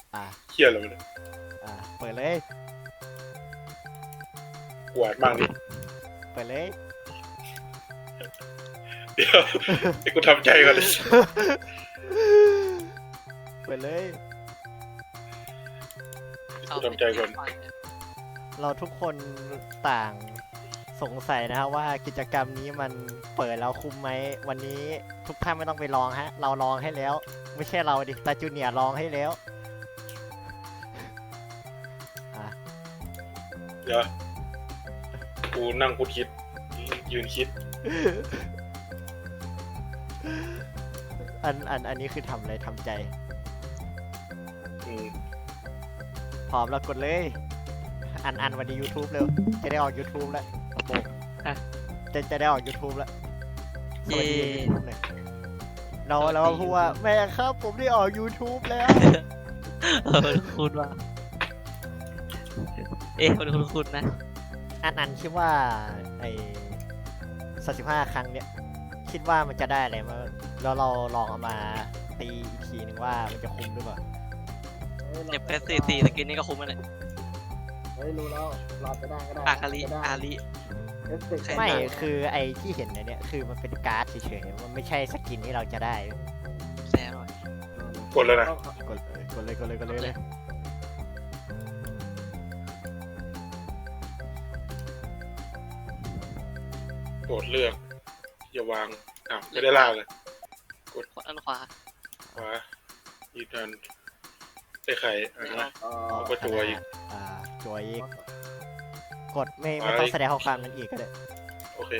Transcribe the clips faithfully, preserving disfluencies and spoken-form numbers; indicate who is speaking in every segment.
Speaker 1: อ่า
Speaker 2: เชี่ยอะไรวะเนี่ย
Speaker 1: อ่าเปิดเลย
Speaker 2: กวาดมากนี่
Speaker 1: เปิดเลย
Speaker 2: เดี๋ยวไอ้กูทำใจก่อนเลย
Speaker 1: เปิดเลย
Speaker 2: กูทำใจก่อน
Speaker 1: เราทุกคนต่างสงสัยนะครับว่ากิจกรรมนี้มันเปิดแล้วคุ้มไหมวันนี้ทุกท่านไม่ต้องไปลองฮะเราลองให้แล้ว ไม่ใช่เราดิตาจูเนียร์ลองให้แล้วอ่ะ
Speaker 2: เดี๋ยวกูนั่งกูคิดยืนคิด
Speaker 1: อันอันอันนี้คือทำอะไรทำใจ
Speaker 2: อืม
Speaker 1: พร้อมแล้วกดเลย อันอันวันนี้ YouTube เร็วจะได้ออก YouTube แล้วโอ้โหจะจะได้ออก YouTube แล้วสวัสดี YouTube หน่อยเราเราพูดว่าแม่ครับผมได้ออก YouTube แล้ว
Speaker 3: เออคุณว่าเอ๊ะคุณคุณคุณนะ
Speaker 1: อันอันคิดว่าไอ้สามสิบห้าครั้งเนี้ยคิดว่ามันจะได้อะไรมาแล้วเราลองเอามาตีอีกทีหนึ่งว่ามันจะคุ้มหรือเปล่า
Speaker 3: เจ็บแค่สี่สี่สกินนี่ก็คุ้มแล้วเนี่ย
Speaker 4: เฮ้ยรู้แล้วเราจะได้ก็ได้
Speaker 3: อาคาริ
Speaker 4: จะได้
Speaker 3: อาริ
Speaker 4: เอฟเฟกต์
Speaker 3: ใคร
Speaker 1: ไม่คือไอ้ที่เห็นในเนี้ยคือมันเป็นการ์ดเฉยๆมันไม่ใช่สกินที่เราจะได้
Speaker 3: แซ่บเลย
Speaker 2: กดแล้วนะ
Speaker 1: กดเลยกดเลยกดเลยกดเลยเลย
Speaker 2: กดเลือกอย่าวางอ้าวไม่ได้ลากเลย
Speaker 3: ขวาอันขวา
Speaker 2: ขวายืนยันไอ้ไข่อ่ะนะ
Speaker 4: เอ่อ
Speaker 2: เอาก็จัวอีก
Speaker 1: อ่าจัวอีกกดไม่ไม่ต้องแสดงข้อความนั้นอีกก็ได้
Speaker 2: โอเค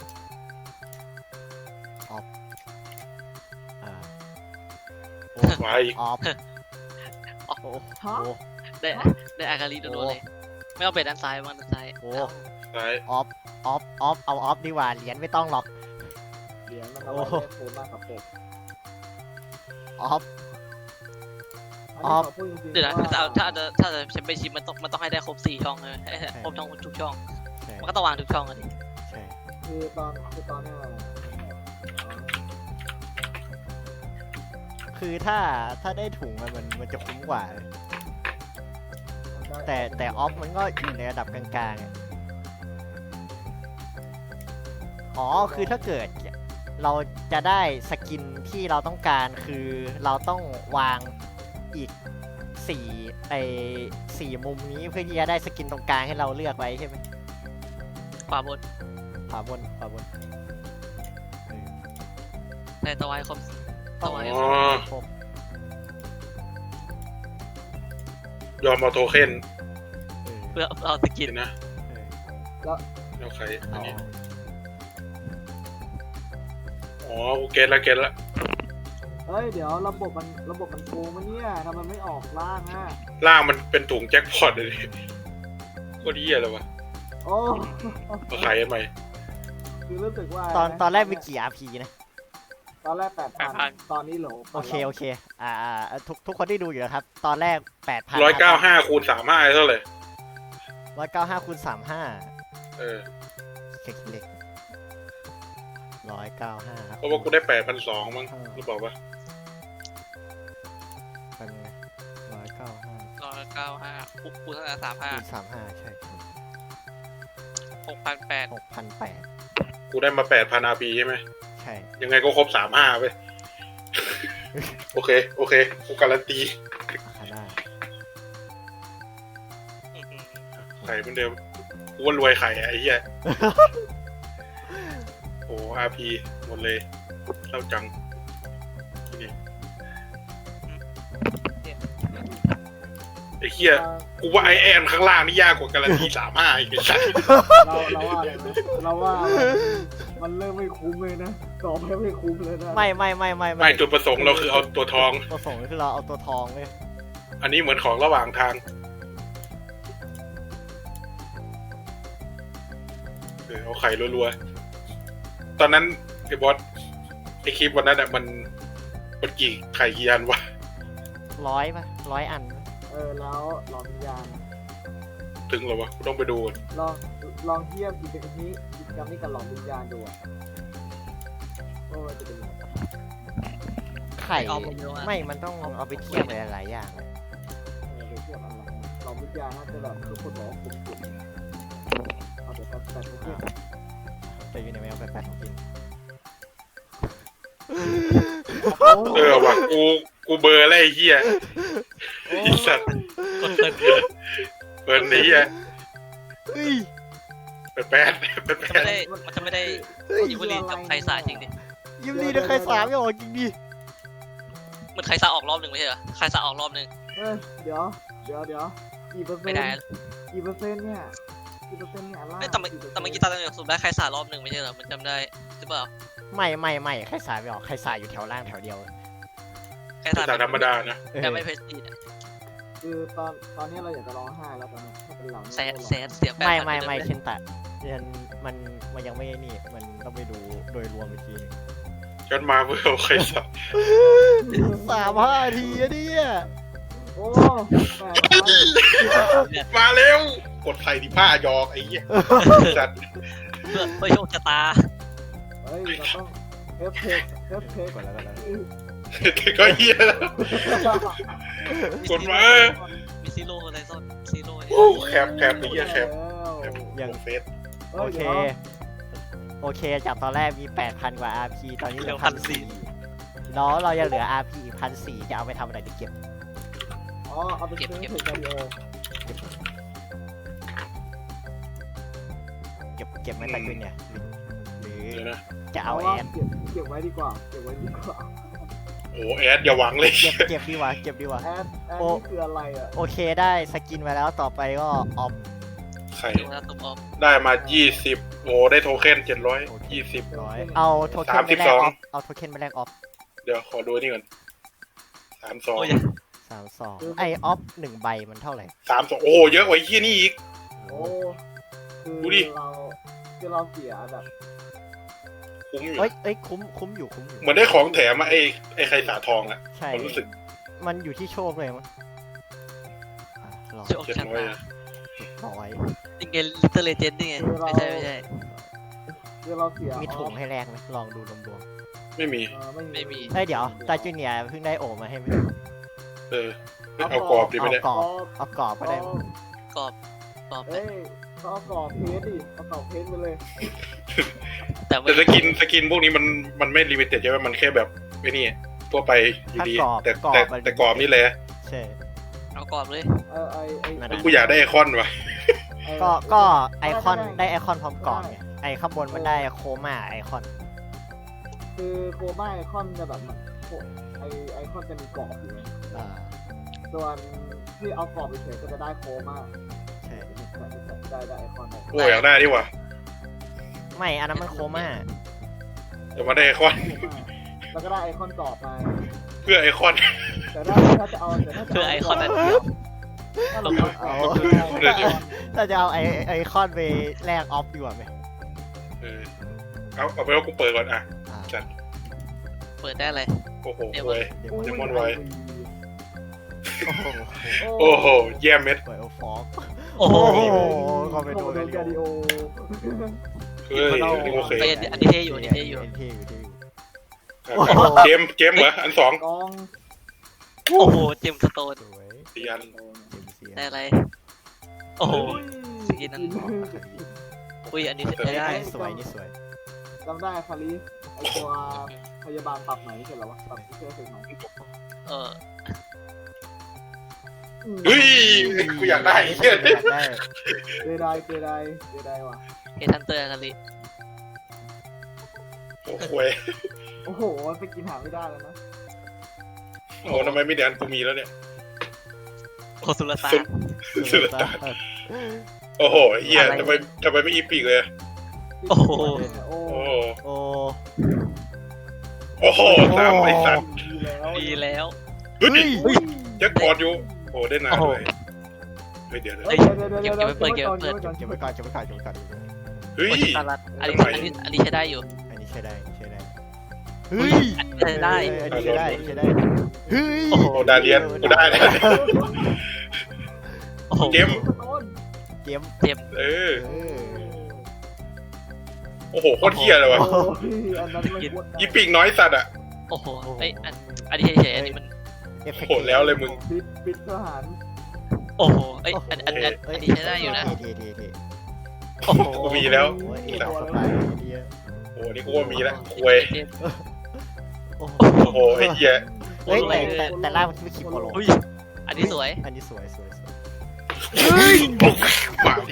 Speaker 1: อ่า
Speaker 2: ขวาอีก
Speaker 1: ออฟโอ้โห
Speaker 3: ได้ได้อาคาริโดนๆเลย ไม่เอาไปด้านซ้ายบ้างด้านซ้าย
Speaker 1: โอ้
Speaker 2: ซ้าย
Speaker 1: ออฟออฟออฟเอาออฟดีกว่าเหรียญไม่ต้องหรอก
Speaker 4: เหรียญมันเอาไว้ได้คูณมากกับปก
Speaker 1: ออฟ
Speaker 4: อันนี้ขอพูดจริงๆ
Speaker 3: เดี๋ยวนะ
Speaker 4: ว่า
Speaker 3: ถ้าถ้าจะถ้าจะแชมเปี้ยนชิพมันต้องมันต้องให้ได้ครบสี่ช่องเลยครบช่องทุกช่อง
Speaker 1: ใช่
Speaker 3: มันก็ต้องวางทุกช่องอ่ะดิ
Speaker 1: ใช่
Speaker 4: คือตอนคือตอนเนี้ย
Speaker 1: คือถ้าถ้าได้ถุงอะมันมันจะคุ้มกว่า แต่แต่ออฟมันก็อยู่ในระดับกลางๆอะอ๋อคือถ้าเกิดเราจะได้สกินที่เราต้องการคือเราต้องวางอีกสี่ไอสี่มุมนี้เพื่อที่จะได้สกินตรงกลางให้เราเลือกไว้ใช่ไหม
Speaker 3: ขวาบน
Speaker 1: ขวาบนขวาบนเออ
Speaker 3: ในตะวันครบตะวัน
Speaker 2: อ๋อ
Speaker 1: ครบ
Speaker 2: ยอมเอาโทเค็น
Speaker 1: เออ
Speaker 3: เพื่อเอาสกิ
Speaker 2: กิ
Speaker 3: น
Speaker 2: นนะ
Speaker 1: เออ
Speaker 2: แล้วไข่อั
Speaker 1: เอา
Speaker 2: นนี้อ๋อกูเก็ตละเก็ตละ
Speaker 4: เฮ้ยเดี๋ยวระบบมันระบบมันโกงมะเนี่ยทำไมไม่ออกล่างอ่ะ
Speaker 2: ล่างมันเป็นถุงแจ็คพอตเลยดิโคตรเหี้ยเลยวะ
Speaker 4: โอ้
Speaker 2: มาขายทำไม
Speaker 4: คือรู้สึกว่า
Speaker 1: ตอนตอนแรกมีกี่ อาร์ พี นะ
Speaker 4: ตอนแรกแปดพันตอนนี้โหล
Speaker 1: โอเคโอเคอ่าอ่าทุกทุกคนที่ดูอยู่นะครับ ตอนแรกแปดพัน
Speaker 2: ร้อยเก้าห้าคูณสามห้าเท่าไหร่
Speaker 1: ร้อยเก้าห้าคูณสามห้า
Speaker 2: เออ
Speaker 1: เช็คเล็กร้อยเก้าห้า
Speaker 2: เพราะว่ากูได้แปดพันสองมั้งหรือเปล่าวะ
Speaker 1: เป็นร้อยเก้าห้า
Speaker 3: ร้อยเก้าห้าคูณเท่าไหร่สามห้า
Speaker 1: คูณสามห้าใช่
Speaker 3: หกพันแปด
Speaker 1: หกพันแปด
Speaker 2: กูได้มาแปดพันอาร์พีใช่ไหม
Speaker 1: ใช่
Speaker 2: ยังไงก็ครบสามห้าไป โอเค โอเค กูการันตี
Speaker 1: อาคาน่า
Speaker 2: ไข่เหมือนเดิม กูว่ารวยไข่อะไอ้เหี้ย โอ้อาร์พีหมดเลยเล่าจังที่นี่ไอ้เหี้ย กูว่าไอแอนข้างล่างนี่ยากกว่าการันตีสามห้าอีกไอ้สัส
Speaker 4: เราเราว่าอะไรนะเราว่ามันเริ่มไม่คุ้มเลยนะต่อไปไม่คุ้มเลยนะ
Speaker 1: ไม่ไม่ไม่ไม่
Speaker 2: ไม่จุดประสงค์เราคือเอาตัวทอง
Speaker 1: ประสงค์คือเราเอาตัวทองเลย
Speaker 2: อันนี้เหมือนของระหว่างทาง เออเอาไข่รัวๆ ตอนนั้นไอ้บอสไอ้คลิปวันนั้นอะมันมันกี่ไข่กี่อันวะ
Speaker 1: ร้อยปะร้อยอัน
Speaker 4: เออแล้วลองวิญญาณ
Speaker 2: ถึงเหรอวะกูต้องไปดูก่อน
Speaker 4: ลองลองเทียบกิจกรรมนี้กิจกรรมนี้กับหลอมวิญญาณดูอะว่ามันจะเป็นยังไง
Speaker 1: ไข่
Speaker 3: เอาผมดูอะ
Speaker 1: ไม่มันต้องเอาไปเทียบหลายๆอย่างเลย
Speaker 4: าน่าจะแบบทุกคนบอกว่าคุ้มสุดเอาแต่แต่แต่ทุกอย่าง
Speaker 1: แต่อยู่ในแมวแปลกๆของกิน
Speaker 2: เออว่ะกูกูเบอร์อะไรไอ้เหี้ยไอ้สัตว์
Speaker 3: กดเปิดเปิด
Speaker 2: เบอร์นี้อ่ะ
Speaker 1: เฮ้ย
Speaker 2: แป๊ดแป๊ดแป๊ด
Speaker 3: จะ
Speaker 2: แป๊
Speaker 3: ไม่
Speaker 2: ด
Speaker 3: ได้มันจะไม่ได้
Speaker 1: เฮ้ย
Speaker 3: อิวลีนกับไคซ่าจริงดิ
Speaker 1: ยิมลีนะใครสามไม่ออกจริงดิ
Speaker 3: มันไคซ่าออกรอบหนึ่งไม่ใช่เหรอไคซ่าออกรอบหนึ่ง
Speaker 4: เออเดี๋ยวเดี๋ยวเดี๋ยวกี่เปอร์เซ็
Speaker 3: ไม่
Speaker 4: นต์
Speaker 3: ได้
Speaker 4: กี่เปอร์เซ็นต์เนี่ยกี่เปอร์เซ็นต์เนี่ยล่า
Speaker 3: เอ้ยแต่เมื่อแต่เมื่อกี้ตาตั้งแต่สุดได้ไคซ่ารอบหนึ่งไม่ใช่เหรอมันจำได้หรือเปล่า
Speaker 1: ไม่ไม่ไม่ใครสามไม่ออกใครสายอยู่แถวล่างแถวเดียว
Speaker 3: ไคซ่า
Speaker 2: แต่ธรรมดานะ
Speaker 1: เออ
Speaker 3: แต่ไม่เพชรดีอะ
Speaker 4: คือตอนตอนนี้เราอยากจะร้องไห้แล้วตอนนี้ถ้าเป็นเรา
Speaker 3: แสนแสนเสียแปด
Speaker 1: ไม่
Speaker 3: พัน
Speaker 1: ไม่ไม่
Speaker 3: เลย
Speaker 1: เช่นแต่มันมันมันยังไม่นี่มันต้องไปดูโดยรวมอีกทีหนึง
Speaker 2: จนมาเพื่อเอาใครสับ
Speaker 1: สามห้าทีอะเนี่ย
Speaker 4: โอ้แปดพัน
Speaker 2: มาเร็วกดไทยที่ผ้ายอกไอ้เหี้ยสัตว์
Speaker 3: เพื่อเพื่อโชคชะตา
Speaker 4: เฮ้ยเราต้องเอฟเทคเอฟเทค
Speaker 1: กดแล้วกดแล้ว
Speaker 2: ก็เหี้ยแล้วกดมา
Speaker 3: มีซีโร่อะไรซ่อนซีโร่
Speaker 2: โอ้แคปแคปไอ้เหี้ยแคปแคป
Speaker 1: ยัง
Speaker 2: เฟส
Speaker 1: โอเค โอเค จากตอนแรกมี แปดพัน กว่า อาร์ พี ตอนนี้เหลือพันสี่แล้วเรายังเหลือ อาร์ พี อีกพันสี่จะเอาไปทำอะไรดีเก็บ
Speaker 4: อ๋อเอาไปซื้อเทควิดีโอ
Speaker 1: เก็บ เก็บไม่ตัดขึ้นเนี่ย หรือ
Speaker 2: เดี๋ยวนะ
Speaker 1: จะเอาแอ
Speaker 4: ว่า
Speaker 1: ด
Speaker 4: เก็บเก็บไว้ดีกว่าเก็บไว้ดีกว่า
Speaker 2: โอ้แอดอย่าหวังเลย
Speaker 1: เก็บ เก็บดีกว่า เก็บดีกว่า
Speaker 4: แอดแอด
Speaker 1: โอ้
Speaker 4: นี่คืออะไรอ่ะ
Speaker 1: โอเค ได้สกินมาแล้วต่อไปก็ออฟ
Speaker 2: ไข่
Speaker 3: ดูนะตุ้มออฟ
Speaker 2: ได้มายี่สิบโอ้ได้โทเค็นเจ็ดร้อยยี่สิบ
Speaker 1: ร้อยเอาโทเค็นไปแลกออฟ เอาโทเค็นไปแลกออฟ
Speaker 2: เดี๋ยวขอดูนี่ก่อนสามสอง
Speaker 3: โอ้ย
Speaker 1: สามสองไอออฟหนึ่งใบมันเท่าไหร่
Speaker 2: สามสองโอ้เยอะกว่าไอ้เหี้ยนี่อีก
Speaker 4: โอ้คือ
Speaker 2: ดูดิ
Speaker 4: เราคือเราเสียแบบ
Speaker 2: คุ้มอยู่
Speaker 1: เอ้ยเอ้ยคุ้ม คุ้มอยู่ คุ้มอยู่
Speaker 2: เหมือนได้ของแถมมาไอ้ไอ้ไข่สาทองอะ
Speaker 1: ใช่
Speaker 2: ผมรู้สึก
Speaker 1: มันอยู่ที่โชคเลยมั้งอ่ะรอ
Speaker 3: โชค
Speaker 2: เจ็ด
Speaker 3: ชะ
Speaker 2: ร้อย
Speaker 3: ตา
Speaker 2: อะ
Speaker 1: ร้อย
Speaker 3: นี่ไงลิตเติ้ลเลเจนด์นี่ไงไม่ใช่ไม่ใช่
Speaker 4: คือเราเสีย
Speaker 1: มีถุงให้แลกไหมลองดูรวม
Speaker 2: ไม่มี
Speaker 4: เออไม่มี
Speaker 3: ไม่มี
Speaker 1: ๆเฮ้ยเดี๋ยวตาจูเนียร์เพิ่งได้โอมาให้ไหม
Speaker 2: เออเอากรอบดีไหม
Speaker 1: เอา
Speaker 2: เนี่ย
Speaker 1: กรอบเอากรอบก็ได้
Speaker 4: เอา
Speaker 1: มั้ง
Speaker 3: กรอบกรอบ
Speaker 4: เอ้ยเขาเอากรอบเพชรดิเอากรอบเพชรไปเลย
Speaker 3: แต่ไม่
Speaker 2: แต่สกินสกินพวกนี้มันมันไม่ลิมิเต็ดใช่ไหมมันแค่แบบไอ้นี่ทั่วไปอยู่ดี แต่แต่แต่กรอบนี่แหละ
Speaker 1: ใช่
Speaker 3: เอากรอบเลย
Speaker 4: เออไอไอ
Speaker 1: นั่น
Speaker 2: กูอยากได้ไอคอนว่ะ
Speaker 4: เออ
Speaker 1: ก็ก็ไอคอนได้ไอคอนพร้อมกรอบไงไอข้างบนมันได้โคม่าไอคอน
Speaker 4: คือโคม่าไอคอนจะแบบมันโคไอไอคอนจะมีกรอบอยู่ไง
Speaker 1: อ่า
Speaker 4: ส่วนที่เอากรอบไปเฉยก็จะได้โคม่า
Speaker 1: ใช่
Speaker 4: ได้ได้ไอคอนได้
Speaker 2: กูอยากได้ดิว่ะ
Speaker 1: ไม่อันนั้นมันโคม่า
Speaker 2: แต่มาได้ไอคอน
Speaker 4: แล้วก็ได้ไอคอนกรอบมา
Speaker 2: เพื่อไอคอน
Speaker 4: แต่ถ้าถ้าจะเอาแต่ถ้าจะ
Speaker 3: เพื่อไอคอนนั้นเดียว
Speaker 4: ถ้าเราเอา
Speaker 1: ถ้าจะเอาไอไอคอนไปแลกออฟดีกว่าไหม
Speaker 2: เออเอาเอาไปว่ากูเปิดก่อนอ่ะ
Speaker 1: อ่า
Speaker 2: จัด
Speaker 3: เปิดได้เลย
Speaker 2: โอ้โหเว้ย
Speaker 1: เดี๋ยว
Speaker 2: เดมอนไว้
Speaker 1: โอ้โห
Speaker 2: โอ้โหเยี่ยมเม็ด
Speaker 1: เปิดฟอก
Speaker 3: โอ้โห
Speaker 1: โอ้โหเข้าไป
Speaker 4: โด
Speaker 1: ดู
Speaker 4: น
Speaker 1: กัน
Speaker 4: กาดิโอ
Speaker 2: เฮ้ยอันนี้โอเค
Speaker 3: เฮ้ยอันนี้เท่อยู่อันนี้เท่อยู่
Speaker 1: นนี้เท่อยู่เท่อยู่
Speaker 2: เกมเกมเหรออันสอง
Speaker 4: กอง
Speaker 3: โอ้โหเจมส์สโตน
Speaker 1: สวย
Speaker 2: สี่อัน
Speaker 1: เต็มเสีย
Speaker 3: ได้อะไร โอ้โห สกินนั้น อุ้ยอันนี้ใช้ได้
Speaker 1: สวยนี่สวย
Speaker 4: จำได้คาริสไอตัวพยาบาลปรับไหนเสร็จแล้ววะปรับที่เชื่อเสร็จไหม
Speaker 3: เออ
Speaker 2: เฮ้ยกูอยากได้เฮีย
Speaker 1: อยากได้
Speaker 4: เจไดเจไดเจไดว่ะ
Speaker 3: เฮทันเตอร์กันลิ
Speaker 2: โอ้โห
Speaker 4: โอ้โหไปกินหาไม่ได้แล้วนะ
Speaker 2: โอ้ทำไมไม่เดี๋ยวอันกูมีแล้วเนี่ย
Speaker 3: โอสุรตา
Speaker 2: สุด สุดตาโอ้โหเฮียทำไมทำไมไม่อีปีกเลย
Speaker 3: โอ้โห
Speaker 4: โอ้
Speaker 2: โอ้
Speaker 1: โอ้
Speaker 2: โอ้โหสามไอ้สัตว์
Speaker 4: ดีแล้ว
Speaker 3: ดีแล้ว
Speaker 2: เฮ้ย
Speaker 1: เฮ้ย
Speaker 2: ยักษ์พอดอยู่โอ้ได้นานเลยเฮ้ยเดี๋ยวเดี๋ยว
Speaker 4: เฮ้ยเดี๋ยวเดี๋ยวเดี๋ยวเดี๋ยวเดี๋ยว
Speaker 1: เก็บไว้ก่อนเก็บไว้ก่อนเก็บไว้ก่อนเก็บไว้ก่อน
Speaker 2: เฮ้ย
Speaker 3: โอชิตารัตอันนี้อันนี้อันนี้ใช้ได้อยู่
Speaker 1: อันนี้ใช้ได้ใช้ได้เฮ้ย
Speaker 3: อันนี้ใช้ได้
Speaker 1: อันนี้ใช้ได้ใช้ได้เฮ้ย
Speaker 3: โอ้โห
Speaker 2: โอ้ดาเลียนกูได้แล้ว
Speaker 3: โอ้โห
Speaker 2: เกม
Speaker 4: ต้น
Speaker 1: เกม
Speaker 3: เจม
Speaker 2: เออ
Speaker 1: เออ
Speaker 2: โอ้โหโคตรเฮียเลยวะ
Speaker 4: โอ้ยอันนั้นไม่ควร
Speaker 2: อีปีกน้อยสัตว์อ่ะ
Speaker 3: โอ้โหเอ้ยอันอันนี้เฉยๆอันนี้มัน
Speaker 1: เอฟเฟก
Speaker 2: โหดแล้วเลยมึง
Speaker 4: ปิดปิดทหาร
Speaker 3: โอ้โหเอ้ยอันอันอันอันนี้ใช้ได้อยู่นะ
Speaker 1: เท่เท่เท่
Speaker 3: โอ้โห
Speaker 2: กูมีแล้ว
Speaker 1: โอ้ยเอ็นสบายดีอะ
Speaker 2: โอ้นี่กูว่ามีแล้วควย
Speaker 1: โอ้โห
Speaker 2: โอ้โหไอ้เหี้ย
Speaker 1: เฮ้ยแต่แต่แต่ล่างมันไม่คิดโปโล
Speaker 3: อุ้ยอันนี้สวย
Speaker 1: อันนี้สวยสวยสวย
Speaker 2: ปากดี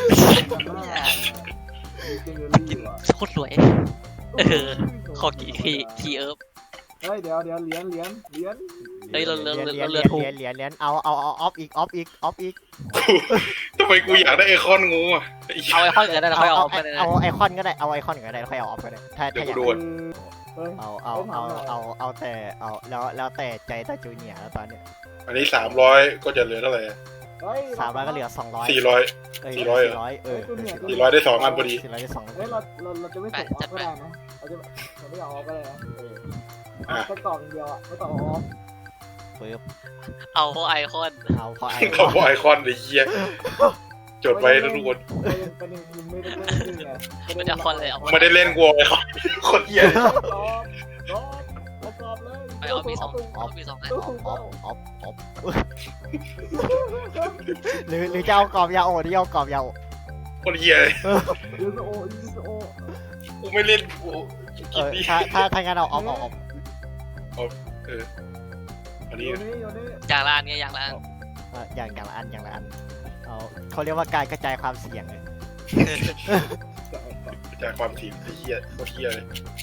Speaker 4: เจเนอ
Speaker 3: กิ
Speaker 4: รี่
Speaker 3: น
Speaker 4: ว่ะ
Speaker 3: โคตรสวย เออ ขอกี่ทีทีเอิร์ฟ
Speaker 4: เฮ้ยเดี๋ยวเดี๋ยวเหรียญเหรียญเหรียญ
Speaker 3: เฮ้ยเราเราเรา
Speaker 1: เหรียญ
Speaker 3: เรา
Speaker 1: เห
Speaker 3: ถู
Speaker 1: รี
Speaker 3: ก
Speaker 1: ยญเหรียญเหรียญเอาเอาเอาออฟอีกออฟอีกออฟอีก
Speaker 2: กูทำไมกูอยากได้ไอคอนงูอ่ะไอ้เหี้ย
Speaker 3: เอาไอคอนกันได้แล้ว
Speaker 1: เอา
Speaker 3: ค่อยเอา
Speaker 1: เอา
Speaker 3: ออกกันเลย
Speaker 1: เอาไอคอนก็ได้เอาไอคอนก็ได้แล้วค่อยเอาออฟก็ได้ถ้า
Speaker 2: เดี๋ย
Speaker 1: ถ้าว อ
Speaker 2: กู
Speaker 1: ยาก
Speaker 2: ดู
Speaker 4: เฮ้ย
Speaker 1: เอาเอาเอาเอาเอาแต่เอาแล้วแล้วแต่ใจตาจูเนียร์แล้วตอนเนี้ย
Speaker 2: อันนี้สามร้อยก็จะเหลือเท่าไหร่
Speaker 4: เฮ้ย
Speaker 1: สามร้อยก็เหลือสองร้อย
Speaker 2: สี่ร้อย
Speaker 1: เอ้ย
Speaker 2: สี่ร้อยเหรอ
Speaker 1: สี่ร้อยเออ
Speaker 2: สี่ร้อยได้สองอันพอดี
Speaker 1: สี่ร้อยได้สอง
Speaker 4: เฮ้ยเราเราเราจะไม่ส่งออฟก็ได้นะเราจะเราไม่เอาออฟก็ได้นะเออเอาแค่กล่องเดียวอ่ะไม่ต้องเอาออฟ
Speaker 1: ปึ๊บ
Speaker 3: เอาไอคอน
Speaker 1: เอาพอไอ
Speaker 2: เขาบอกไอคอนไอ้เหี้ยจดไว้นะทุกคน
Speaker 4: ประเด็นประเด็นคือไม่ได้เล่นจริงไง
Speaker 3: มันจะคอนเลยเอา
Speaker 2: ไม่ได้เล่นกลัวไอคอนคนเหี้ย
Speaker 4: ตอบตอบประกอบเลย
Speaker 3: ไปเอามีสองเอามีสองอัน
Speaker 1: ออฟออฟออฟออฟหรือหรือจะเอากรอบยาโอที่เอากรอบยาโอ
Speaker 2: คนเหี้ย
Speaker 4: ยูสโอยูสโอ
Speaker 2: กูไม่เล่นกู
Speaker 1: เอ
Speaker 2: กิน
Speaker 1: อ
Speaker 2: ดิ
Speaker 1: ถ้าถ้าถ้างั้นเอาออฟเอาออฟ
Speaker 2: อัน
Speaker 4: โย
Speaker 2: นี้
Speaker 4: นี่โยนี่
Speaker 3: อย่างละอันไงอย่างละอัน
Speaker 1: เอออย่างอย่างละอันอย่างละอันเอาเขาเรียกว่าการกระจายความเสี่ยงเลย
Speaker 2: จากความถี่ไอ้เหี้ยโคตรเหี้ยเลย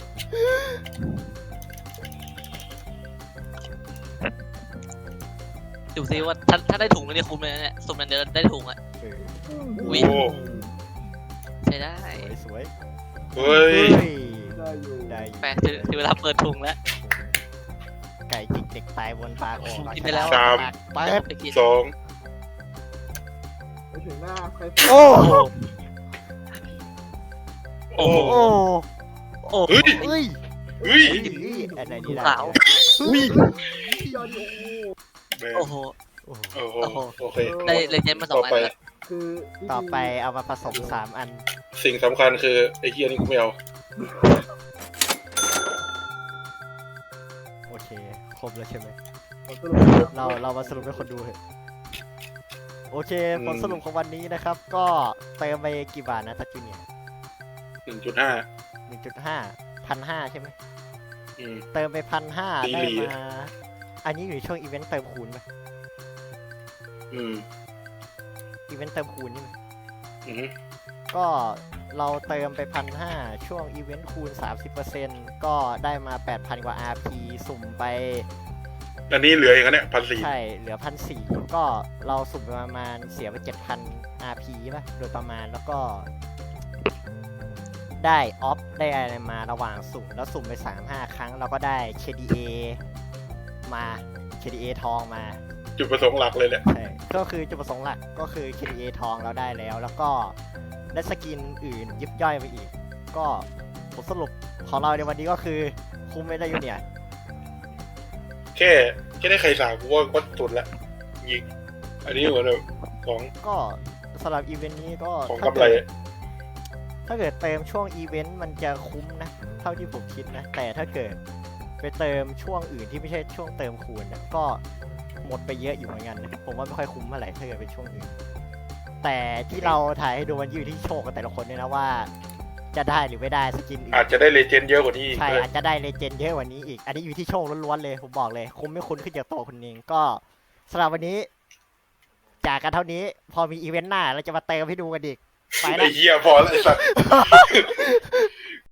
Speaker 3: ดูซิว่าถ้าถ้าได้ถุงแล้วเนี่ยคุ้มเลยนะเนี่ยสมนั้นเดี๋ยวได้ถุงอ่ะ
Speaker 1: เออ
Speaker 3: อุ๊ย
Speaker 2: โอ้
Speaker 3: ใช้ได้
Speaker 1: สวยสวย
Speaker 2: เฮ้ย
Speaker 1: เฮ้ย
Speaker 4: ได้อยู่
Speaker 1: ได้อยู่
Speaker 3: แปลถึงถึงเวลาเปิดถุงแล้ว
Speaker 1: ไก่จิกเด็กตายบนปากโอ่ง
Speaker 3: กินไปแล้ว
Speaker 1: ปากเปิด
Speaker 3: ไปกิน
Speaker 2: สอง
Speaker 4: ไปถึงหน้าใคร
Speaker 1: โอ้
Speaker 2: โอ้
Speaker 1: โอ้
Speaker 3: โอ้
Speaker 2: เฮ้ย
Speaker 1: เฮ้ย
Speaker 2: เฮ้ย
Speaker 1: เฮ้ยอันไหนดี
Speaker 3: ขาว
Speaker 1: อุ้ย
Speaker 4: ยอดโอ้
Speaker 2: แม่ง
Speaker 3: โอ้โห
Speaker 1: โอ้โห
Speaker 2: โอ้โหโอเค
Speaker 3: ได้เลเจนด์มาสอ
Speaker 2: ต่อง
Speaker 3: อัน
Speaker 2: ไป
Speaker 3: แล้ว
Speaker 4: คือ
Speaker 1: ต่อไปเอามาผสมสามอัน
Speaker 2: สิ่งสำคัญคือไอ้เหี้ยนี่กูไม่เอา
Speaker 1: โอเคครบแล้วใช่ไหม
Speaker 4: สรุป
Speaker 1: เราเรามาสรุปให้คนดูเถอะโอเคผลสรุปของวันนี้นะครับ ก็เติมไปกี่บาทนะทัชจูเนีย
Speaker 2: หนึ่งจุดห้า
Speaker 1: หนึ่งจุดห้าพันห้าใช่ไหม
Speaker 2: อืม
Speaker 1: เติมไปพันห้า
Speaker 2: ดี
Speaker 1: ได้
Speaker 2: หลี
Speaker 1: มา อันนี้อยู่ในช่วงอีเวนต์เติมคูณไหม
Speaker 2: อืม
Speaker 1: อีเวนต์เติมคูณนี่ไหม
Speaker 2: อืม
Speaker 1: ก็เราเติมไปพันห้าช่วงอีเวนต์คูณ สามสิบเปอร์เซ็นต์ ก็ได้มา แปดพัน กว่า อาร์ พี สุ่มไป
Speaker 2: อันนี้เหลืออย่างนั้นเนี่ยพันสี่
Speaker 1: ใช่ เหลือพันสี่ก็เราสุ่มไปประมาณเสียไปเจ็ดพัน อาร์ พี ป่ะ โดยประมาณแล้วก็ ได้ออฟได้อะไรมาระหว่างสุ่มแล้วสุ่มไป สามห้า ครั้ง เราก็ได้ เค ดี เอ มา เค ดี เอ ทองมา
Speaker 2: จุดประสงค์หลักเลยแหละ
Speaker 1: ใช่ ก็คือจุดประสงค์หลักก็คือ เค ดี เอ ทองเราได้แล้ว แล้วก็ได้สกินอื่นยิบย่อยไปอีก ก็ผลสรุปของเราในวันนี้ก็คือคุ้มไม่ได้อยู่เนี่ย
Speaker 2: แค่แค่ได้ไข่สาวกูว่าก็สุดละยิงอันนี้เหมือนแบบของ
Speaker 1: ก็สำหรับอีเวนต์นี้ก็
Speaker 2: ของ
Speaker 1: ถ้าก
Speaker 2: ำไร
Speaker 1: เกิดถ้าเกิดเติมช่วงอีเวนต์มันจะคุ้มนะ เท่าที่ผมคิดนะ แต่ถ้าเกิดไปเติมช่วงอื่นที่ไม่ใช่ช่วงเติมคูณนะก็หมดไปเยอะอยู่เหมือนกันนะผมว่าไม่ค่อยคุ้มเท่าไหร่ถ้าเกิดเป็นช่วงอื่น แต่ที่เราถ่ายให้ดูมันอยู่ที่โชคกันแต่ละคนเนี่ยนะว่า จะได้หรือไม่ได้สกินอื่น
Speaker 2: อาจจะได้เลเจนด์เยอะกว่านี้อีก
Speaker 1: ใช่
Speaker 2: เลย
Speaker 1: อาจจะได้เลเจนด์เยอะกว่านี้อีก อันนี้อยู่ที่โชคล้วนๆเลยผมบอกเลย คุ้มไม่คุ้มขึ้นจากตัวคุณเองก็สำหรับวันนี้ จากกันเท่านี้ พอมีอีเวนต์หน้าเราจะมาเติมให้ดูกันอีกไป
Speaker 2: ไอ้
Speaker 1: ละ
Speaker 2: เหี้ยพอแล้วไอ้สัส